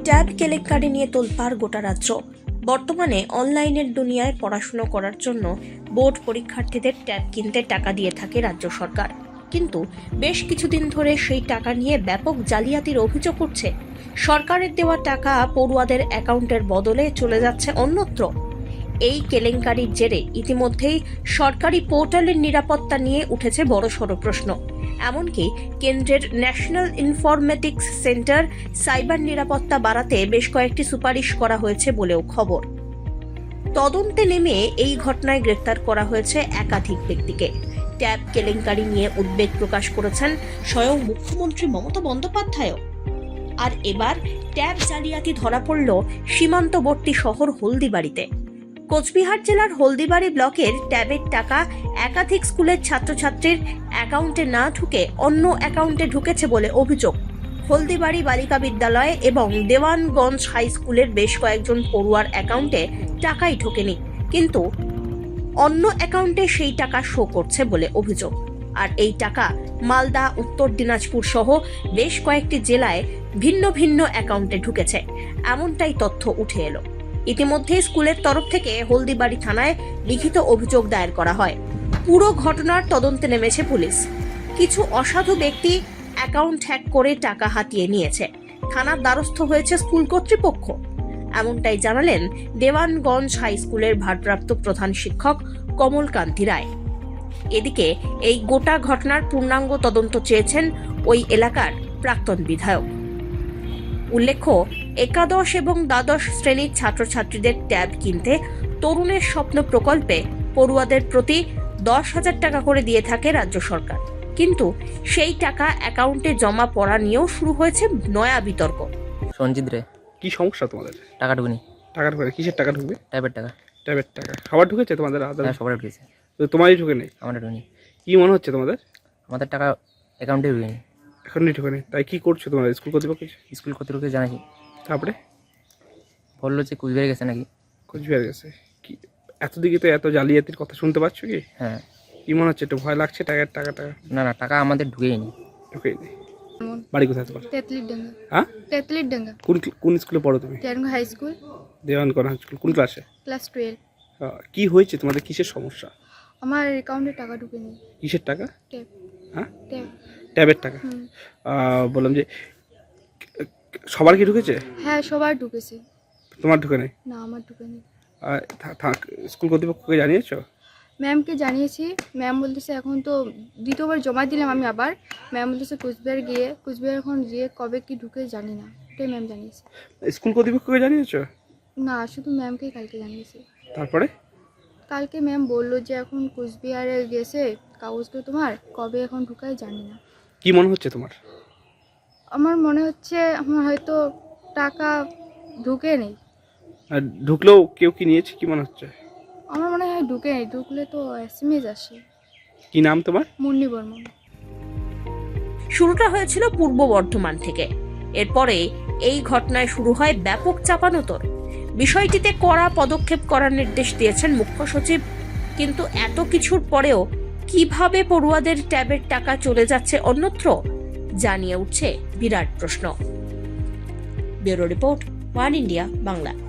Tab কেলেঙ্কারি নিয়ে তোলপাড় গোটা রাজ্য। বর্তমানে অনলাইনের দুনিয়ায় পড়াশুনো করার জন্য বোর্ড পরীক্ষার্থীদের ট্যাব কিনতে টাকা দিয়ে থাকে রাজ্য সরকার, কিন্তু বেশ কিছুদিন ধরে সেই টাকা নিয়ে ব্যাপক জালিয়াতির অভিযোগ উঠছে। সরকারের দেওয়া টাকা পড়ুয়াদের অ্যাকাউন্টের বদলে চলে যাচ্ছে অন্যত্র। এই কেলেঙ্কারির জেরে ইতিমধ্যেই সরকারি পোর্টালের নিরাপত্তা নিয়ে উঠেছে বড়সড় প্রশ্ন। এমনকি কেন্দ্রের ন্যাশনাল ইনফরমেটিক্স সেন্টার সাইবার নিরাপত্তা বাড়াতে বেশ কয়েকটি সুপারিশ করা হয়েছে বলেও খবর। তদন্তে নেমে এই ঘটনায় গ্রেফতার করা হয়েছে একাধিক ব্যক্তিকে। ট্যাব কেলেঙ্কারি নিয়ে উদ্বেগ প্রকাশ করেছেন স্বয়ং মুখ্যমন্ত্রী মমতা বন্দ্যোপাধ্যায়ও। আর এবার ট্যাব জালিয়াতি ধরা পড়ল সীমান্তবর্তী শহর হলদিবাড়িতে। কোচবিহার জেলার হলদিবাড়ি ব্লকের ট্যাবের টাকা একাধিক স্কুলের ছাত্রছাত্রীর অ্যাকাউন্টে না ঢুকে অন্য অ্যাকাউন্টে ঢুকেছে বলে অভিযোগ। হলদিবাড়ি বালিকা বিদ্যালয় এবং দেওয়ানগঞ্জ হাই স্কুলের বেশ কয়েকজন পড়ুয়ার অ্যাকাউন্টে টাকাই ঢোকেনি, কিন্তু অন্য অ্যাকাউন্টে সেই টাকা শো করছে বলে অভিযোগ। আর এই টাকা মালদা, উত্তর দিনাজপুর সহ বেশ কয়েকটি জেলায় ভিন্ন ভিন্ন অ্যাকাউন্টে ঢুকেছে, এমনটাই তথ্য উঠে এলো। ইতিমধ্যে স্কুলের তরফ থেকে হলদিবাড়ি থানায় লিখিত অভিযোগ দায়ের করা হয়। পুরো ঘটনার তদন্তে নেমেছে পুলিশ। কিছু অসাধু ব্যক্তি অ্যাকাউন্ট হ্যাক করে টাকা হাতিয়ে নিয়েছে। থানার দ্বারস্থ হয়েছে স্কুল কর্তৃপক্ষ, এমনটাই জানালেন দেওয়ানগঞ্জ হাই স্কুলের ভারপ্রাপ্ত প্রধান শিক্ষক কমলকান্তি রায়। এদিকে এই গোটা ঘটনার পূর্ণাঙ্গ তদন্ত চেয়েছেন ওই এলাকার প্রাক্তন বিধায়ক। উল্লেখ্য, একাদশ এবং দ্বাদশ শ্রেণীর ছাত্রছাত্রীদের ট্যাব কিনতে তরুণের স্বপ্ন প্রকল্পে পড়ুয়াদের প্রতি 10,000 টাকা করে দিয়ে থাকে রাজ্য সরকার, কিন্তু সেই টাকা অ্যাকাউন্টে জমা পড়া নিয়েও শুরু হয়েছে নয়া বিতর্ক। সঞ্জিত রে, কি সমস্যা তোমাদের? টাকা ঢুকনি। টাকা ঢুকে কিসের টাকা ঢুকবে? ট্যাবের টাকা। ট্যাবের টাকা সবার ঢুকেছে তোমাদের? হ্যাঁ, সবার ঢুকেছে। তো তোমারই ঢুকে নেই? আমাদের ঢুকনি। কি মনে হচ্ছে তোমাদের? আমাদের টাকা অ্যাকাউন্টে ঢুকেনি। এখনই ঢুকে নেই, তাই কি করছো তোমরা? স্কুল কর্তৃপক্ষ স্কুল কর্তৃপক্ষকে জানাইছি, তারপরে বললো যে কুচবিহারে গেছে নাকি। কোচবিহার গেছে? কি এতদিকে তো এত জালিয়াতির কথা শুনতে পাচ্ছ কি? হ্যাঁ। কি মনে হচ্ছে? একটু ভয় লাগছে? টাকা না না, টাকা আমাদের ঢুকেইনি। ঢুকেই নেই। বাড়ি কোথায় তোমার? তেতলিডাঙ্গা। হ্যাঁ, তেতলিডাঙ্গা। কোন স্কুলে পড়ো তুমি? Dewanganj high school. Dewanganj high school. কোন ক্লাসে? ক্লাস 12। কি হয়েছে তোমাদের? কিসের সমস্যা? আমার অ্যাকাউন্টে টাকা ঢুকেনি। কিসের টাকা? ট্যাব। হ্যাঁ, ট্যাব। ট্যাবের টাকা। বললাম যে সবার কি ঢুকেছে? হ্যাঁ, সবার ঢুকেছে। তোমার ঢুকে নেই? না, আমার ঢুকেনি। স্কুল কর্তৃপক্ষকে জানিয়েছো? ম্যামকে জানিয়েছি। ম্যাম বলতেছে এখন তো দ্বিতীয়বার জমা দিলাম আমি আবার। ম্যাম বলতেছে কুচবিহার এখন গিয়ে কবে কি ঢুকে জানি না, এটাই ম্যাম জানিয়েছে। স্কুল কর্তৃপক্ষকে জানিয়েছো? না, শুধু ম্যামকেই কালকে জানিয়েছি। তারপরে কালকে ম্যাম বললো যে এখন কুচবিহারে গেছে কাগজটা, তোমার কবে এখন ঢুকায় জানি না। কি মনে হচ্ছে তোমার? আমার মনে হচ্ছে আমার হয়তো টাকা ঢুকে নেই। আর ঢুকলেও কেউ কি নিয়েছে? কি মনে হচ্ছে? আমার মনে হয় ঢুকে নেই, ঢুকলে তো SMS আসে। কি নাম তোমার? মুন্নি বর্মন। শুরুটা হয়েছিল পূর্ব বর্ধমান থেকে। এরপরে এই ঘটনায় শুরু হয় ব্যাপক চাপানোতর। বিষয়টিতে কড়া পদক্ষেপ করার নির্দেশ দিয়েছেন মুখ্য সচিব, কিন্তু এত কিছুর পরেও কিভাবে পড়ুয়াদের ট্যাবের টাকা চলে যাচ্ছে অন্যত্র জানিয়ে উঠছে বিরাট প্রশ্ন। Bureau report, one India Bangla.